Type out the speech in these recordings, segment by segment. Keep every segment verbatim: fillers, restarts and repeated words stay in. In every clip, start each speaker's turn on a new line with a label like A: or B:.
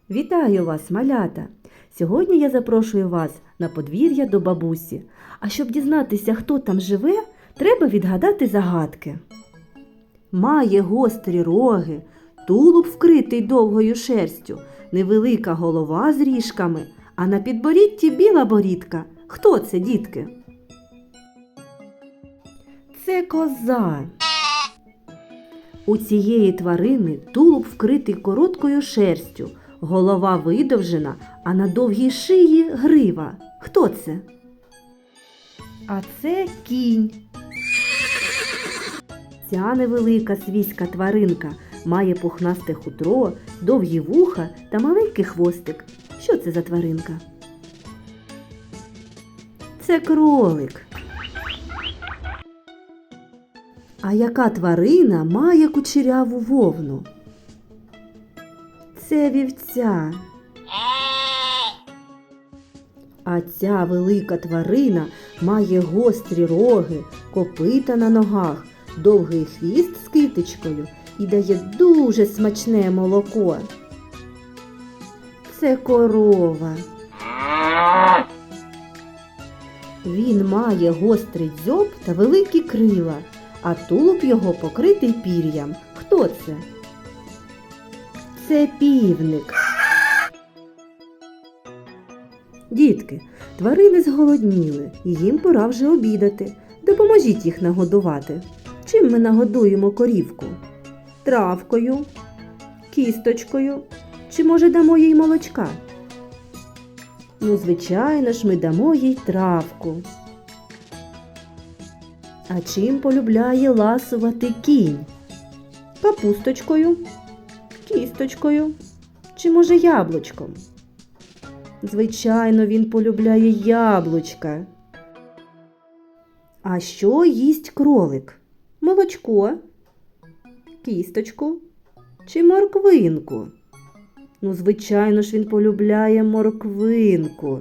A: Вітаю вас, малята! Сьогодні я запрошую вас на подвір'я до бабусі. А щоб дізнатися, хто там живе, треба відгадати загадки. Має гострі роги, тулуб вкритий довгою шерстю, невелика голова з ріжками, а на підборідді біла борідка. Хто це, дітки? Це коза. У цієї тварини тулуб вкритий короткою шерстю, голова видовжена, а на довгій шиї грива. Хто це? А це кінь. Ця невелика свійська тваринка має пухнасте хутро, довгі вуха та маленький хвостик. Що це за тваринка? Це кролик. А яка тварина має кучеряву вовну? Це вівця. А ця велика тварина має гострі роги, копита на ногах, довгий хвіст з китичкою і дає дуже смачне молоко. Це корова. Він має гострий дзьоб та великі крила, а тулуб його покритий пір'ям. Хто це? Це півник. Дітки, тварини зголодніли, і їм пора вже обідати. Допоможіть їх нагодувати. Чим ми нагодуємо корівку? Травкою, кісточкою, чи, може, дамо їй молочка? Ну, звичайно ж, ми дамо їй травку. А чим полюбляє ласувати кінь? Капусточкою, кісточкою, чи, може, яблучком? Звичайно, він полюбляє яблучка. А що їсть кролик? Молочко, кісточку чи морквинку? Ну, звичайно ж, він полюбляє морквинку.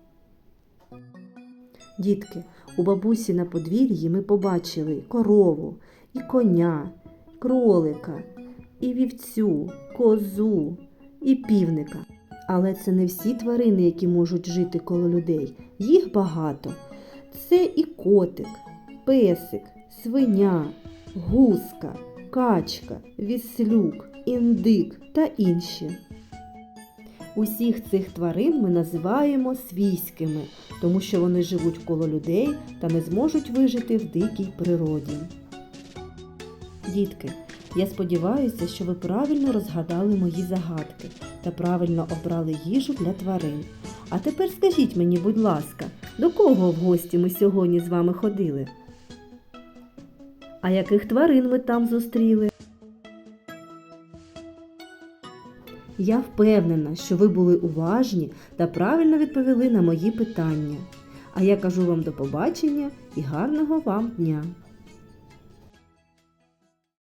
A: Дітки, у бабусі на подвір'ї ми побачили корову, і коня, кролика, і вівцю, козу, і півника. Але це не всі тварини, які можуть жити коло людей. Їх багато. Це і котик, песик, свиня, гуска, качка, віслюк, індик та інші. Усіх цих тварин ми називаємо свійськими, тому що вони живуть коло людей та не зможуть вижити в дикій природі. Дітки, я сподіваюся, що ви правильно розгадали мої загадки та правильно обрали їжу для тварин. А тепер скажіть мені, будь ласка, до кого в гості ми сьогодні з вами ходили? А яких тварин ми там зустріли? Я впевнена, що ви були уважні та правильно відповіли на мої питання. А я кажу вам до побачення і гарного вам дня!